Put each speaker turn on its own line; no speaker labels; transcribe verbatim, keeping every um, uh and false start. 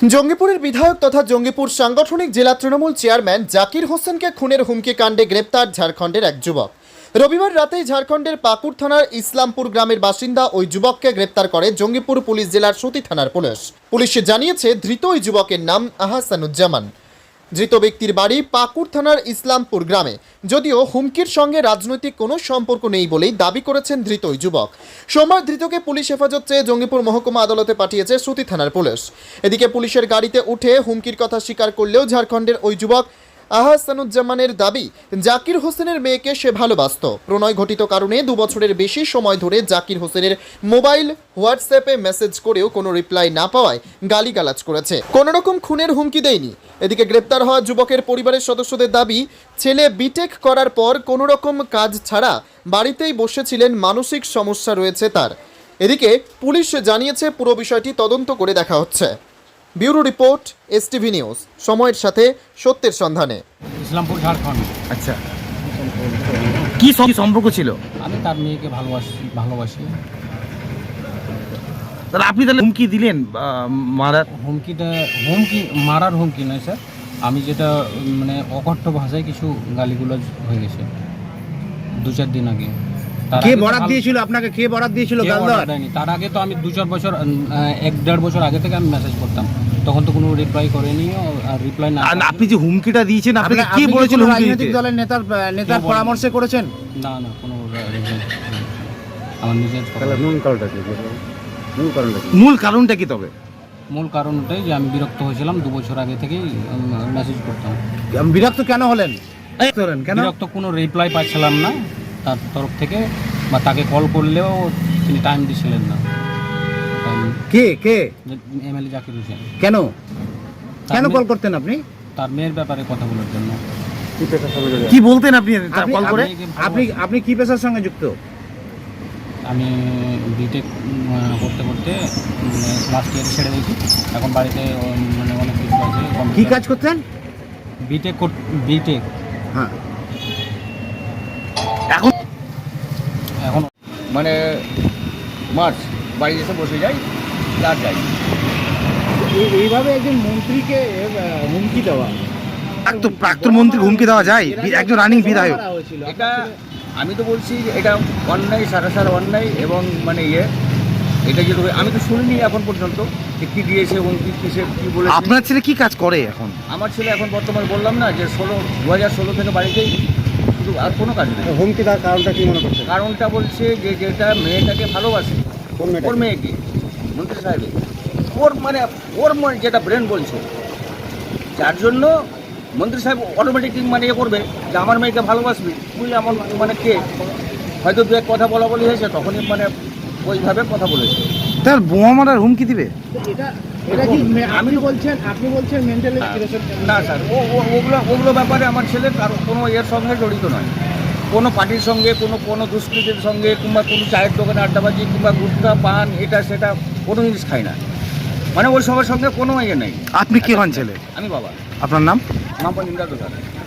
জঙ্গিপুরের বিধায়ক তথা জঙ্গিপুর সাংগঠনিক জেলা তৃণমূল চেয়ারম্যান জাকির হোসেনকে খুনের হুমকি কাণ্ডে গ্রেপ্তার ঝাড়খণ্ডের এক যুবক। রবিবার রাতেই ঝাড়খণ্ডের পাকুর থানার ইসলামপুর গ্রামের বাসিন্দা ওই যুবককে গ্রেপ্তার করে জঙ্গিপুর পুলিশ জেলার সতী থানার পুলিশ। পুলিশ জানিয়েছে ধৃত ওই যুবকের নাম আহসানুজ্জামান। ধৃত ব্যক্তির বাড়ি পাকুর থানার ইসলামপুর গ্রামে। যদিও হুমকির সঙ্গে রাজনৈতিক কোনো সম্পর্ক নেই বলেই দাবি করেছেন ধৃত ওই যুবক। সোমবার ধৃতকে পুলিশ হেফাজত চেয়ে জঙ্গিপুর মহকুমা আদালতে পাঠিয়েছে সতী থানার পুলিশ। এদিকে পুলিশের গাড়িতে উঠে হুমকির কথা স্বীকার করলেও ঝাড়খণ্ডের ওই যুবক আহসানুজ্জামানের দাবি, জাকির হোসেনের মেয়েকে সে ভালোবাসত। প্রণয় ঘটিত কারণে দু বছরের বেশি সময় ধরে জাকির হোসেনের মোবাইল হোয়াটসঅ্যাপে মেসেজ করেও কোনো রিপ্লাই না পাওয়ায় গালিগালাজ করেছে। কোনো রকম খুনের হুমকি দেয়নি। এদিকে গ্রেপ্তার হওয়া যুবকের পরিবারের সদস্যদের দাবি, ছেলে বিটেক করার পর কোনো রকম কাজ ছাড়া বাড়িতেই বসেছিলেন, মানসিক সমস্যা রয়েছে তার। এদিকে পুলিশ জানিয়েছে পুরো বিষয়টি তদন্ত করে দেখা হচ্ছে। ব্যুরো রিপোর্ট, এসটিভি নিউজ, সময়ের সাথে সত্যের সন্ধানে।
ইসলামপুর, ঝাড়খণ্ড।
আচ্ছা, কি সম্পর্ক ছিল?
আমি তার মেয়েকে ভালোবাসি ভালোবাসি
তাহলে আপনি তাহলে হুমকি দিলেন মারার?
হুমকিটা হুমকি মারার হুমকি নয় স্যার, আমি যেটা মানে অকথ্য ভাষায় কিছু গালিগুলোজ হয়ে গেছে দু চার দিন আগে।
কে বরাত দিয়েছিল আপনাকে? কে বরাত দিয়েছিল গাল দেওয়ার?
তার আগে তো আমি দু চার বছর এক দেড় বছর আগে থেকে আমি মেসেজ করতাম, তখন তো কোনো রিপ্লাই করেনি। আর রিপ্লাই না,
আপনি যে হুমকিটা দিয়েছেন আপনাকে কে বলেছিল?
রাজনৈতিক দলের নেতার নেতার পরামর্শে করেছেন?
না না, কোনো আমার নিজের।
মূল কারণটা কি?
মূল কারণটা কি তবে?
মূল কারণ ওটাই যে আমি বিরক্ত হয়েছিলাম, দু বছর আগে থেকেই মেসেজ করতাম।
বিরক্ত কেন হলেন? কেন
বিরক্ত? কোনো রিপ্লাই পাচ্ছিলাম না তার তরফ থেকে, বা তাকে কল করলেও তিনি টাইম দিছিলেন না।
কে কে?
এমএলএ জাকির হোসেন।
কেন কেন কল করতেন আপনি?
তার মেয়ের ব্যাপারে কথা বলার জন্য।
কি বলতেন আপনি কল করে?
আপনি আপনি কি পেশার সঙ্গে যুক্ত?
আমি বিটেক করতে করতে লাস্ট ইয়ার ছেড়ে দিয়েছি, এখন বাড়িতে মানে অনেক কিছু আছে।
কি কাজ করতেন?
বিটেক বিটেক
হ্যাঁ।
এখন
এখন
মানে মার্চ বাড়ি এসে বসে যাই আর যাই।
এইভাবে একজন মন্ত্রীকে হুমকি দেওয়া,
প্রাক্তন মন্ত্রী হুমকি দেওয়া যায় একজন রানিং বিধায়ক?
এটা আমি তো বলছি এটা অন্যায়, সারা সারা অন্যায়। এবং মানে ইয়ে এটা যেটা আমি তো শুনিনি এখন পর্যন্ত যে কী দিয়েছে এবং কী কিসে কী বলে।
আপনার ছেলে কি কাজ করে এখন?
আমার ছেলে এখন বর্তমানে বললাম না যে ষোলো দু হাজার ষোলো থেকে বাড়িতেই, শুধু আর কোনো কাজ নেই।
হুমকি দেওয়ার কারণটা কি মনে করছেন?
কারণটা বলছে যে যেটা মেয়েটাকে ভালোবাসে, ওর মেয়েকে, মন্ত্রী সাহেবের, ওর মানে ওর মানে যেটা ব্রেন বলছে, যার জন্য মন্ত্রী সাহেব অটোমেটিক মানে ইয়ে করবে যে আমার মেয়েকে ভালোবাসবি বুঝলে, আমার মানে কে হয়তো দু এক কথা বলা বলি হয়েছে, তখনই মানে ওইভাবে কথা বলেছে।
তার বোমা মারার হুমকি দিবে?
এটা এটা কি আপনি বলছেন? আপনি বলছেন মেন্টালি?
না স্যার, ও ওগুলো ওগুলো ব্যাপারে আমার ছেলে কারো কোনো এর সঙ্গে জড়িত নয়। কোনো পার্টির সঙ্গে, কোনো কোনো দুষ্কৃতির সঙ্গে, কিংবা কোনো চায়ের দোকানে আড্ডাবাজি, কিংবা গুটখা পান এটা সেটা কোনো জিনিস খায় না। মানে ওই সবার সঙ্গে কোনো ইয়ে নেই।
আপনি কে হন ছেলে?
আমি বাবা।
আপনার নাম?
নাম পঞ্জিন্দা দোকান।